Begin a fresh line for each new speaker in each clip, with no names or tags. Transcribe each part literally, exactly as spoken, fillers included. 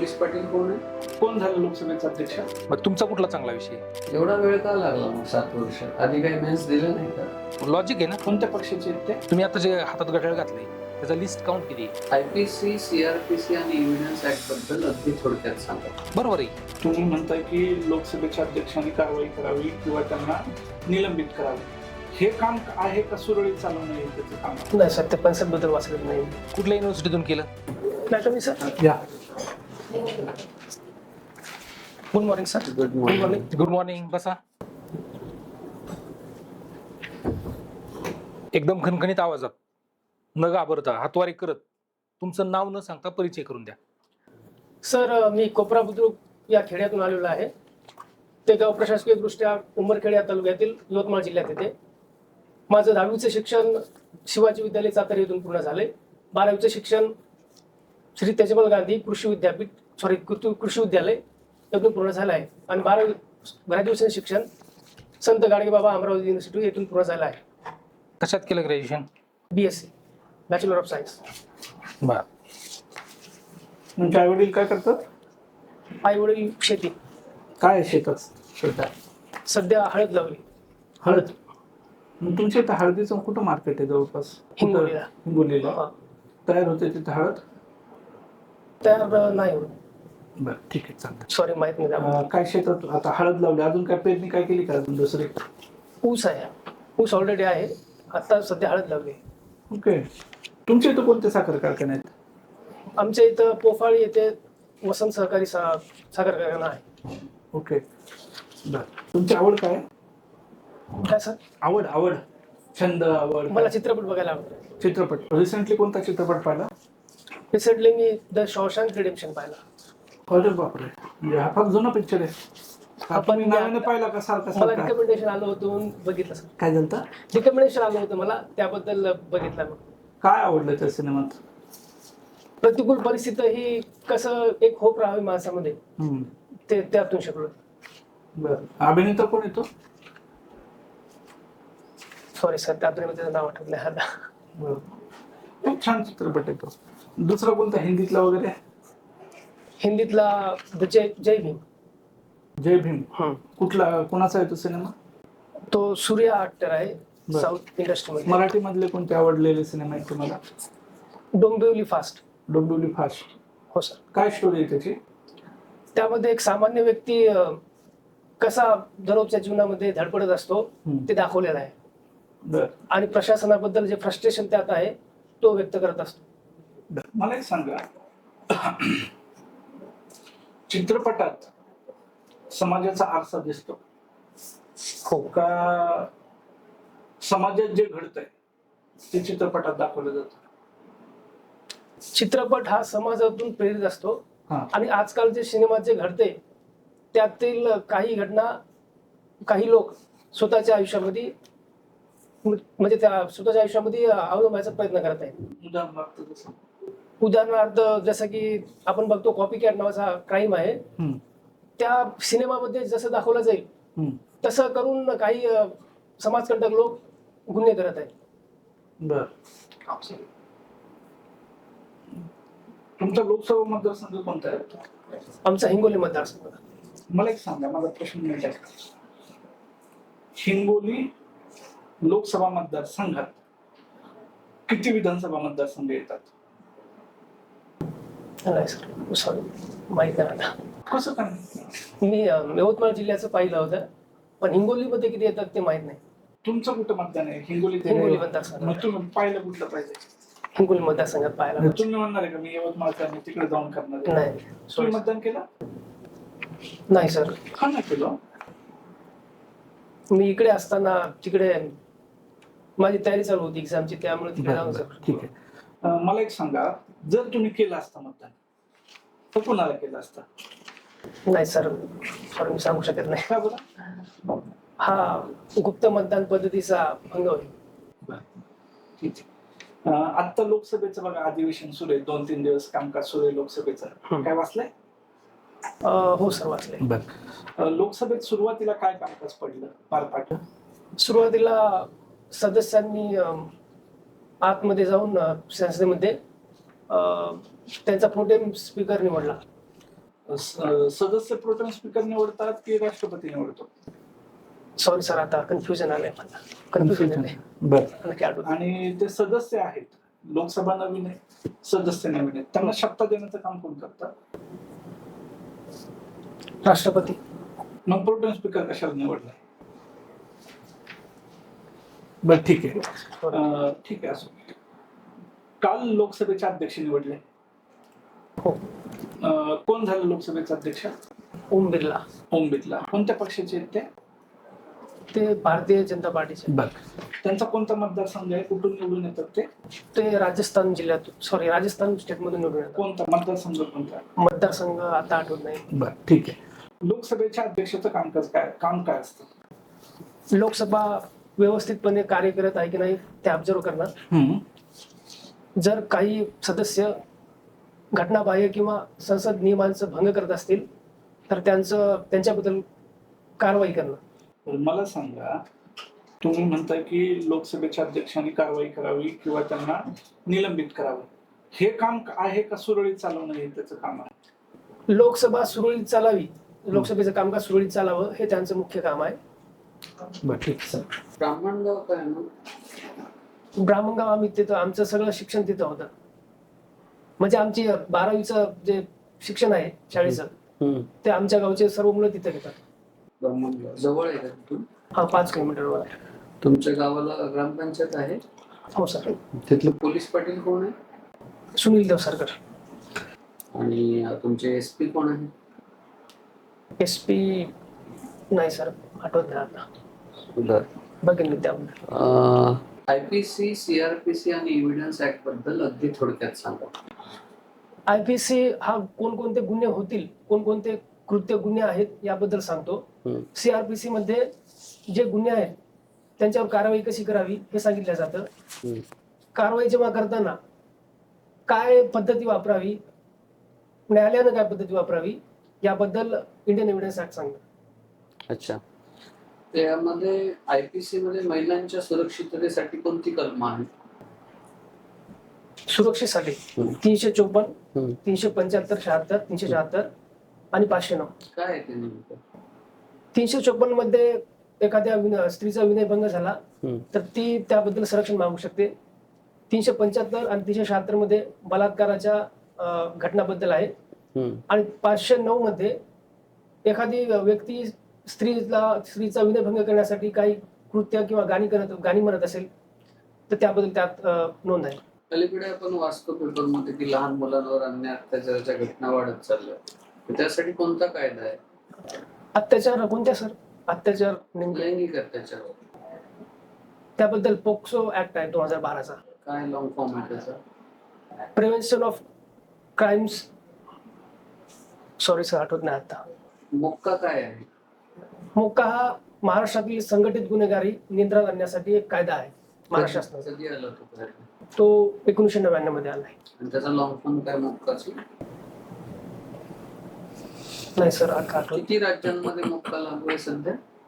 Police Patil कोण आहे?
कोण झालं लोकसभेचा अध्यक्ष?
मग तुमचा कुठला चांगला विषय?
एवढा वेळ का लागला मग सात वर्ष? आधी काही मेन्स दिले नाही का?
लॉजिक आहे ना.
कोणत्या पक्षाचे आहेत ते?
तुम्ही आता जे हातात घड्याळ घातले त्याचा लिस्ट काउंट किती आहे?
आयपीसी, सीआरपीसी आणि एव्हिडन्स ऍक्ट बद्दल अगदी थोडक्यात सांगा.
बरोबर आहे.
तुम्ही म्हणताय की लोकसभेच्या अध्यक्षांनी कारवाई करावी किंवा त्यांना निलंबित करावे. हे काम आहे का सुरळीत चालवणं हे त्याचं काम आहे?
नाही सर, ते कन्सेप्ट बद्दल वाचलं नाही.
कुठल्या युनिव्हर्सिटीतून केलं?
नाही तुम्ही सर.
या
good morning sir.
Good
good
morning.
Morning.
Good morning. बसा. एकदम खणखणीत आवाजात न घाबरता हातवारी करत तुमचं नाव न सांगता परिचय करून द्या.
सर, मी कोपरा बुद्रुक या खेड्यातून आलेलो आहे. ते गाव प्रशासकीय दृष्ट्या उमरखेड या तालुक्यातील यवतमाळ जिल्ह्यात येते. माझं दहावीचं शिक्षण शिवाजी विद्यालय सातारा येथून पूर्ण झाले. बारावीचं शिक्षण श्री तेजमल गांधी कृषी विद्यापीठ सॉरी कृषी विद्यालय येथून पूर्ण झालं आहे. आणि बारावी ग्रॅज्युएशन शिक्षण संत गाडगेबाबा अमरावती युनिव्हर्सिटी येथून पूर्ण झालं आहे.
कशात केलं graduation?
B S C bachelor of science.
बर.
तुमचे आई वडील काय करतात?
आई वडील शेती.
काय आहे शेतात?
शेतात सध्या हळद लावली.
हळद. मग तुमच्या इथं हळदीचं कुठं मार्केट आहे जवळपास? कुठं?
हिंगोलीला.
हिंगोलीला
हा.
तयार होते तिथं हळद?
तर नाही होत.
बरं, ठीक आहे, चालतं.
सॉरी, माहित नाही त्याबद्दल.
अं, काय शेतात आता हळद लावली, अजून काय पेरणी काय केली का अजून दुसरी?
ऊस आहे. ऊस ऑलरेडी आहे. आता सध्या हळद लावली.
ओके. तुमच्या इथं कोणते साखर कारखाने आहेत?
आमच्या इथं पोफाळी येथे वसंत सहकारी सा- साखर कारखाना आहे.
ओके, बरं. तुमची आवड काय?
काय सर?
आवड आवड छंद आवड
मला चित्रपट बघायला आवडतो.
चित्रपट. रिसेंटली कोणता चित्रपट पाहिला?
रिसेंटली मी द शॉशँक रिडेम्पशन पाहिला.
अरे बापरे, म्हणजे हा फार जुना पिक्चर आहे. हा
आपण
तुम्ही नव्याने पाहिला का सारखा
मला
सारखा?
रिकमेंडेशन आलं होतं म्हणून बघितलं सर.
काय झालं?
रिकमेंडेशन आलं होतं मला, त्याबद्दल बघितलं. मग
काय आवडलं त्या सिनेमात?
प्रतिकूल परिस्थिती ही कसं एक होप राहावी माणसामध्ये,
हम्म.
ते त्यातून शिकलो.
बरं. अभिनेता कोण येतो?
सॉरी सर, त्यातून मी त्याचं नाव आठवत नाही आता.
बरं. खूप छान चित्रपट येतो. दुसरा कोणता हिंदीतला वगैरे?
हिंदीतला द जय जय भीम.
जय भीम. कुठला, कोणाचा आहे तो सिनेमा?
तो सूर्या ऍक्टर आहे
बरं.
साऊथ इंडस्ट्रीमध्ये.
मराठी मधले कोणते आवडलेले सिनेमा आहेत तुम्हाला?
डोंबिवली फास्ट.
डोंबिवली फास्ट.
हो सर.
काय स्टोरी आहे त्याची?
त्यामध्ये एक सामान्य व्यक्ती अ, कसा दररोजच्या जीवनामध्ये धडपडत असतो
हम्म.
ते दाखवलेलं आहे.
बरं.
आणि प्रशासनाबद्दल जे फ्रस्ट्रेशन त्यात आहे तो व्यक्त करत असतो.
बरं. मला एक सांगा, चित्रपटात समाजाचा आरसा दिसतो
हो.
का समाजात जे घडतंय ते चित्रपटात दाखवलं जातं?
चित्रपट हा समाजातून प्रेरित असतो.
हा.
आणि आजकाल जे सिनेमात जे घडते त्यातील काही घटना काही लोक स्वतःच्या आयुष्यामध्ये म्हणजे त्या स्वतःच्या आयुष्यामध्ये अवलंबायचा प्रयत्न करत आहेत.
उदाहरणार्थ जसं?
उदाहरणार्थ जसं की आपण बघतो कॉपी कॅट नावाचा क्राईम आहे.
हम्म.
त्या सिनेमामध्ये जसं दाखवलं जाईल
हम्म.
तसं करून काही अ, समाजकंटक लोक गुन्हे करत आहेत.
बर. तुमचा लोकसभा मतदारसंघ कोणता आहे?
आमचा हिंगोली मतदारसंघ.
मला एक सांगा, माझा प्रश्न नाही आहे. हिंगोली लोकसभा मतदारसंघात किती विधानसभा मतदारसंघ येतात?
नाही सर, सॉरी, माहित नाही आता.
कसं काय?
मी अ, यवतमाळ जिल्ह्याचं पाहिलं होतं, पण हिंगोलीमध्ये किती येतात ते माहित नाही.
तुमचं कुठं मतदान आहे? हिंगोली.
हिंगोली मतदारसंघ.
मग तुम्ही पाहिलं कुठलं पाहिजे?
हिंगोली मतदारसंघात पाहायला.
तुम्ही म्हणणार आहे का मी यवतमाळचा मी तिकडे जाऊन करणार आहे?
नाही
तुम्ही
sorry.
मतदान केलं?
नाही सर,
का नाही केलं?
मी इकडे असताना तिकडे माझी तयारी चालू होती एक्झामची, त्यामुळे तिकडे जाऊन सर.
ठीक आहे. अं, मला एक सांगा, जर तुम्ही केलं असतं मतदान तर कोणाला केलं असतं?
नाही सर, सॉरी, मी सांगू शकत नाही.
काय बरं?
हा गुप्त मतदान पद्धतीचा भंग होईल.
बरं, ठीक आहे. अं, आत्ता लोकसभेचं बघा अधिवेशन सुरू आहे, दोन तीन दिवस कामकाज सुरू आहे लोकसभेचं.
हम्म.
काय वाचलंय?
अ, हो सर, वाचले.
बर. लोकसभेत सुरुवातीला काय कामकाज पडलं पार पाडलं?
सुरुवातीला सदस्यांनी अ, आतमध्ये जाऊन अ, संसदेमध्ये अ, त्यांचा प्रोटेम स्पीकर निवडला.
स- सदस्य प्रोटेम स्पीकर निवडतात की राष्ट्रपती निवडतो?
सॉरी सर, आता कन्फ्युजन आलंय मला. कन्फ्युजन आलंय.
बर.
नक्की आठवत नाही.
आणि ते सदस्य आहेत, लोकसभा नवीन आहे, सदस्य नवीन आहेत, त्यांना सत्ता देण्याचं काम कोण करतं?
राष्ट्रपती.
मग प्रोटेम स्पीकर कशाला निवडलाय? बर ठीक आहे. अं, ठीक आहे, असो. काल लोकसभेचे अध्यक्ष निवडले.
हो.
अं, कोण झालं लोकसभेचे अध्यक्ष?
ओम बिर्ला.
ओम बिर्ला. कोणत्या पक्षाचे आहेत ते?
ते भारतीय जनता पार्टीचे.
बर. त्यांचा कोणता मतदारसंघ आहे? कुठून निवडून येतात ते?
ते राजस्थान जिल्ह्यातून, सॉरी राजस्थान स्टेट मधून निवडून येतात.
कोणता मतदारसंघ कोणता?
मतदारसंघ आता आठवत नाही.
बर ठीक आहे. लोकसभेच्या अध्यक्षाचं कामकाज काय, काम काय असतं?
लोकसभा व्यवस्थितपणे कार्य करत आहे की नाही ते ऑब्झर्व करणं. जर काही सदस्य घटनाबाह्य किंवा संसद नियमांचं भंग करत असतील तर त्यांचं त्यांच्याबद्दल कारवाई करणं.
मला सांगा, तुम्ही म्हणताय की लोकसभेच्या अध्यक्षांनी कारवाई करावी किंवा त्यांना निलंबित करावं, हे काम आहे का सुरळीत चालवणं हे त्याचं काम आहे?
लोकसभा सुरळीत चालावी, लोकसभेचं कामकाज सुरळीत चालावं हे त्यांचं मुख्य काम आहे.
बरं ठीक सर.
ब्राह्मणगाव काय ना?
ब्राह्मणगाव आम्ही तिथं, आमचं सगळं शिक्षण तिथं होतं. म्हणजे आमची बारावीचं जे शिक्षण आहे शाळेचं ते आमच्या गावचे सर्व मुलं तिथे घेतात.
ब्राह्मणगाव जवळ आहे का तिथून?
हा, पाच किलोमीटरवर आहे.
तुमच्या गावाला ग्रामपंचायत आहे?
हो सर.
तिथलं पोलीस पाटील कोण आहे?
सुनील देवसरकर.
आणि तुमचे एस पी कोण आहे?
एस पी नाही सर, आठवत नाही आता.
बर.
बघेन मी त्याबद्दल.
आयपीसी, सीआरपीसी आणि एव्हिडन्स ऍक्ट बद्दल अगदी थोडक्यात सांगा.
आयपीसी हा कोणकोणते गुन्हे होतील, कोणकोणते कृत्य गुन्हे आहेत याबद्दल सांगतो. सीआरपीसी मध्ये जे गुन्हे आहेत त्यांच्यावर कारवाई कशी करावी हे सांगितलं जातं. कारवाई जेव्हा करताना काय पद्धती वापरावी, न्यायालयानं काय पद्धती वापरावी याबद्दल इंडियन एव्हिडन्स ऍक्ट सांगतो.
अच्छा. त्यामध्ये आयपीसी मध्ये महिलांच्या सुरक्षिततेसाठी कोणती कलम आहे?
सुरक्षेसाठी तीनशे चोपन्न, तीनशे पंच्याहत्तर, शहात्तर, तीनशे शहात्तर आणि पाचशे नऊ.
काय आहे ते नेमकं?
तीनशे चोपन्न मध्ये एखाद्या विन- स्त्रीचा विनयभंग झाला तर ती त्याबद्दल संरक्षण मागू शकते. तीनशे पंच्याहत्तर आणि तीनशे शहात्तर मध्ये बलात्काराच्या अं, घटनाबद्दल आहे. आणि पाचशे नऊ मध्ये एखादी व्यक्ती स्त्रीला स्त्रीचा विनयभंग करण्यासाठी काही कृत्य किंवा गाणी करत गाणी म्हणत असेल तर त्याबद्दल त्यात अं, नोंद आहे.
अलीकडे आपण वाचतो पेपरमध्ये की लहान मुलांवर अन्याय अत्याचाराच्या घटना वाढत चालल्या, तर त्यासाठी कोणता कायदा आहे?
अत्याचार कोणत्या सर? अत्याचार नेमके
लैंगिक अत्याचार.
त्याबद्दल पोक्सो ऍक्ट आहे दोन हजार बाराचा.
काय लॉंग फॉर्म आहे त्याचा?
Prevention of crimes, sorry sir आठवत नाही आता.
मोक्का काय आहे?
मोक्का हा महाराष्ट्रातील संघटित गुन्हेगारी नियंत्रण आणण्यासाठी एक कायदा आहे महाराष्ट्र शासनाचा.
कधी आला तो कायदा?
तो एकोणीसशे नव्याण्णव मध्ये आला आहे.
आणि त्याचा लॉंग फॉर्म काय मोक्काची?
नाही सर आठवत
किती राज्यांमध्ये मोक्का लागू आहे सध्या?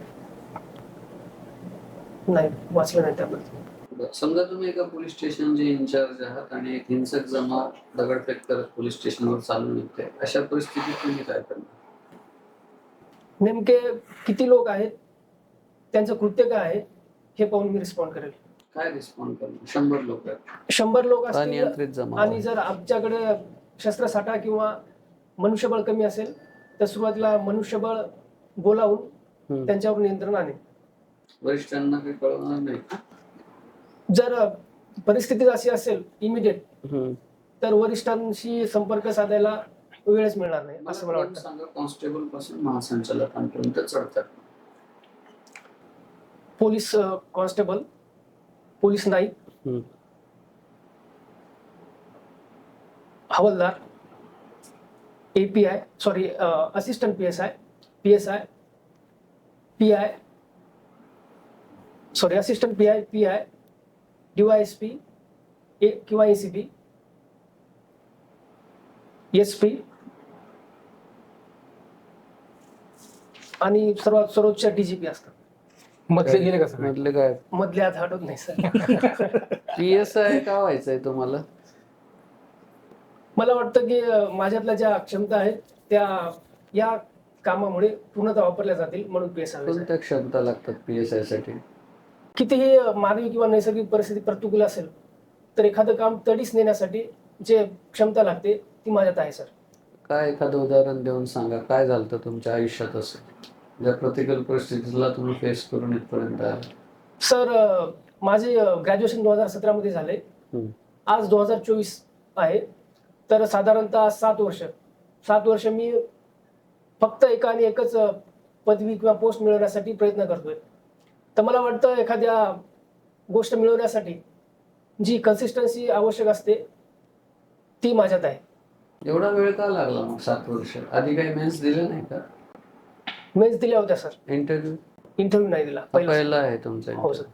नाही, वाचलं नाही त्याबद्दल.
समजा तुम्ही एका पोलीस स्टेशनचे इन्चार्ज आहात आणि एक हिंसक जमाव दगडफेक करत पोलीस स्टेशनवर चालून येते, अशा परिस्थितीत तुम्ही काय करणार?
नेमके किती लोक आहेत, त्यांचं कृत्य काय आहे हे पाहून मी रिस्पॉन्ड करेल.
काय रिस्पॉन्ड करणार? शंभर लोक आहेत,
शंभर लोक असतील
अनियंत्रित जमाव
आणि
आहे.
जर आमच्याकडे शस्त्रसाठा किंवा मनुष्यबळ कमी असेल तर सुरुवातीला मनुष्यबळ बोलावून त्यांच्यावर नियंत्रण आणेल.
वरिष्ठांना काही कळवणार नाही का?
जर परिस्थिती अशी असेल इमिडिएट तर वरिष्ठांशी संपर्क साधायला वेळच मिळणार नाही असं मला वाटतं.
सांगा, कॉन्स्टेबल पासून महासंचालकांपर्यंत चढतात.
पोलीस कॉन्स्टेबल, पोलीस नाईक, हवालदार, API sorry assistant P S I, P S I, P I sorry assistant P I, P I, DYSP किंवा एसीपी, एसपी आणि सर्वात सर्वोच्च डीजीपी असतात.
मधले गेले का सगळे?
म्हटलं काय
मधले हात हटत नाही सर.
पीएसआय का व्हायचंय तुम्हाला?
मला वाटतं की अं, माझ्यातल्या ज्या क्षमता आहेत त्या या कामामुळे पूर्णतः वापरल्या जातील म्हणून पी एस आय
कोणत्या क्षमता लागतात पी एस आय साठी?
कितीही मानवी किंवा नैसर्गिक परिस्थिती प्रतिकूल असेल तर एखादं काम तडीस नेण्यासाठी जे क्षमता लागते ती माझ्यात आहे सर.
काय एखादं उदाहरण देऊन सांगा, काय झालं तुमच्या आयुष्यात असं ज्या प्रतिकूल परिस्थितीला तुम्ही फेस करून इथपर्यंत आला?
सर माझे ग्रॅज्युएशन दोन हजार सतरा मध्ये झाले.
हम्म.
आज दोन हजार चोवीस आहे, तर साधारणतः सात वर्ष सात वर्ष मी फक्त एका आणि एकच पदवी किंवा पोस्ट मिळवण्यासाठी प्रयत्न करतोय. तर मला वाटतं एखाद्या गोष्ट मिळवण्यासाठी जी कन्सिस्टन्सी आवश्यक असते ती माझ्यात आहे.
एवढा वेळ का लागला मग सात वर्ष? आधी काही मेन्स दिले नाही का?
मेन्स दिल्या होत्या सर,
इंटरव्ह्यू
इंटरव्ह्यू नाही दिला पहिला.
पहिला आहे तुमचा
हो सर.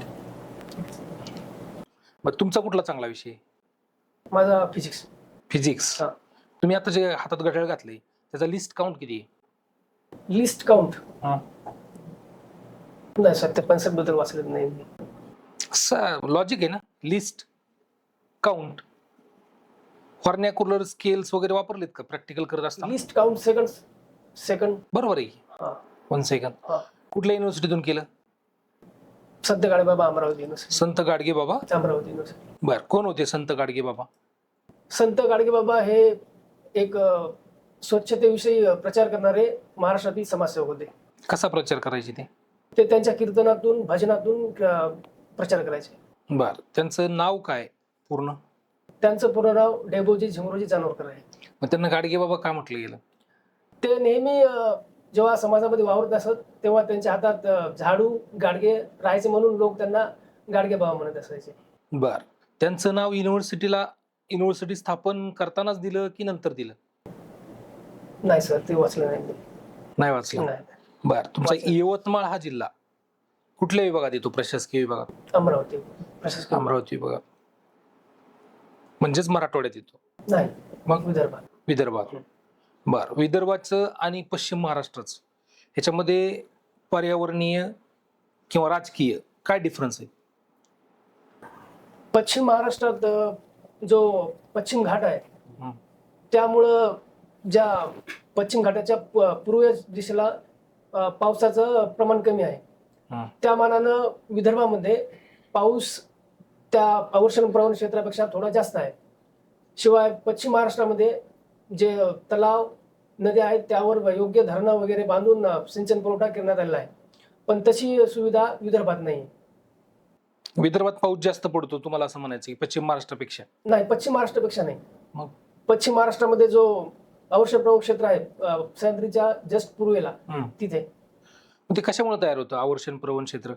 मग तुमचा कुठला चांगला विषय?
माझा फिजिक्स.
फिजिक्स.
हा.
तुम्ही आता जे हातात घड्याळ घातले त्याचा लिस्ट काउंट किती आहे?
लिस्ट काउंट
हा.
नाही सर, त्या कन्सेप्ट बद्दल वाचलेलं नाही मी.
लॉजिक आहे ना, लिस्ट काउंट. फॉर्नॅक्युलर स्केल्स वगैरे वापरलेत का प्रॅक्टिकल करत असताना?
लिस्ट काउंट सेकंड सेकंड
बरोबर आहे.
हा.
One second.
हा.
कुठल्या युनिव्हर्सिटीतून केलं?
संत गाडगेबाबा अमरावती युनिव्हर्सिटी.
संत गाडगे बाबा.
अमरावती युनिव्हर्सिटी.
बर, कोण होते संत गाडगे बाबा?
संत गाडगेबाबा हे एक अ, स्वच्छतेविषयी प्रचार करणारे महाराष्ट्रातील समाजसेवक होते.
कसा प्रचार करायचे ते?
ते त्यांच्या कीर्तनातून भजनातून अ, प्रचार करायचे.
बर, त्यांचं नाव काय पूर्ण?
त्यांचं पूर्ण नाव डेबोजी झिमरोजी जानोरकर आहे.
मग त्यांना गाडगे बाबा का म्हटलं गेलं?
ते नेहमी अ, जेव्हा समाजामध्ये वावरत असत तेव्हा त्यांच्या हातात अ, झाडू गाडगे राहायचे म्हणून लोक त्यांना गाडगे बाबा म्हणत असायचे.
बर, त्यांचं नाव युनिव्हर्सिटीला युनिव्हर्सिटी स्थापन करतानाच दिलं की नंतर दिलं?
नाही सर, ते वाचलं नाही मी.
नाही वाचलं.
नाही.
बर, तुमचा
वाचलं.
यवतमाळ हा जिल्हा कुठल्या विभागात येतो? प्रशासकीय विभागात?
अमरावती प्रशासकीय.
अमरावती विभागात, म्हणजेच मराठवाड्यात येतो.
नाही,
मग
विदर्भात.
विदर्भात. बर, विदर्भाचं आणि पश्चिम महाराष्ट्राचं ह्याच्यामध्ये पर्यावरणीय किंवा राजकीय काय डिफरन्स आहे?
पश्चिम महाराष्ट्रात अ, जो पश्चिम घाट आहे
हं.
त्यामुळं ज्या पश्चिम घाटाच्या प- पूर्व दिशेला अ, पावसाचं प्रमाण कमी आहे.
हं.
त्या मानानं विदर्भामध्ये पाऊस त्या अवर्षण प्रवण क्षेत्रापेक्षा थोडा जास्त आहे. शिवाय पश्चिम महाराष्ट्रामध्ये जे तलाव नद्या आहेत त्यावर योग्य धरणं वगैरे बांधून अ, सिंचन पुरवठा करण्यात आलेला आहे, पण तशी सुविधा विदर्भात नाही.
विदर्भात पाऊस जास्त पडतो तुम्हाला असं म्हणायचं की पश्चिम महाराष्ट्रापेक्षा?
नाही, पश्चिम महाराष्ट्रापेक्षा नाही.
मग?
पश्चिम महाराष्ट्रामध्ये जो अवर्षण प्रवण क्षेत्र आहे अ, सह्याद्रीच्या जस्ट पूर्वेला
हं.
तिथे
मग ते कशामुळे तयार होतं आवर्षण प्रवण क्षेत्र?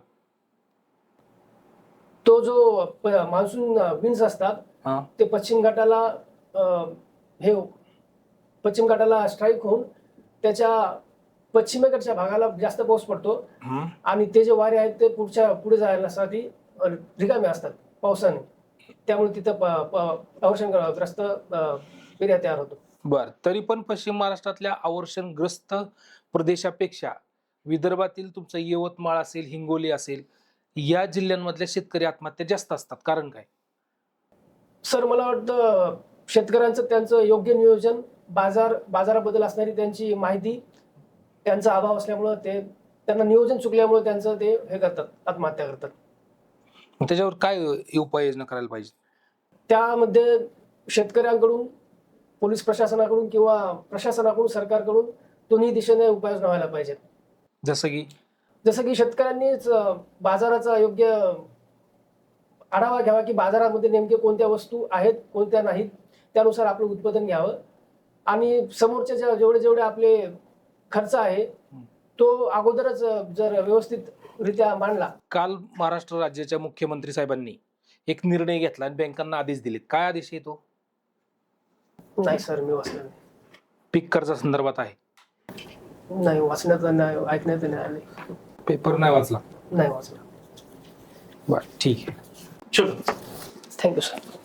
तो जो मान्सून विंड्स असतात
हा.
ते पश्चिम घाटाला अ, हे पश्चिम घाटाला स्ट्राईक होऊन त्याच्या पश्चिमेकडच्या भागाला जास्त पाऊस पडतो
हं.
आणि ते जे वारे आहेत ते पुढच्या पुढे जाण्यासाठी अ, रिकामे असतात पावसाने. त्यामुळे तिथं प- प- अवर्षणग्रस्त एरिया तयार होतो.
बर, तरी पण पश्चिम महाराष्ट्रातल्या अवर्षणग्रस्त प्रदेशापेक्षा विदर्भातील तुमचं यवतमाळ असेल, हिंगोली असेल, या जिल्ह्यांमधल्या शेतकरी आत्महत्या जास्त असतात. कारण काय?
सर मला वाटतं शेतकऱ्यांचं त्यांचं योग्य नियोजन, बाजार बाजाराबद्दल असणारी त्यांची माहिती, त्यांचा अभाव असल्यामुळं ते त्यांना नियोजन चुकल्यामुळे त्यांचं ते हे करतात, आत्महत्या करतात.
मग त्याच्यावर काय उपाययोजना करायला पाहिजे?
त्यामध्ये शेतकऱ्यांकडून, पोलीस प्रशासनाकडून किंवा प्रशासनाकडून, सरकारकडून दोन्ही दिशेने उपाययोजना व्हायला पाहिजेत.
जसं की
जसं की शेतकऱ्यांनीच अ, बाजाराचा योग्य आढावा घ्यावा की बाजारामध्ये नेमके कोणत्या वस्तू आहेत कोणत्या नाहीत, त्यानुसार आपलं उत्पादन घ्यावं आणि समोरच्या ज्या जेवढे जेवढे आपले खर्च आहे तो अगोदरच अ, जर व्यवस्थितरित्या मांडला.
काल महाराष्ट्र राज्याच्या मुख्यमंत्री साहेबांनी एक निर्णय घेतला आणि बँकांना आदेश दिलेत. काय आदेश आहे तो?
नाही सर, मी वाचलं नाही.
पीक कर्जा संदर्भात आहे.
नाही वाचण्यात नाही, ऐकण्यात नाही आले.
पेपर नाही वाचला?
नाही वाचलं.
बर, ठीक आहे.
चलो.
Thank you sir.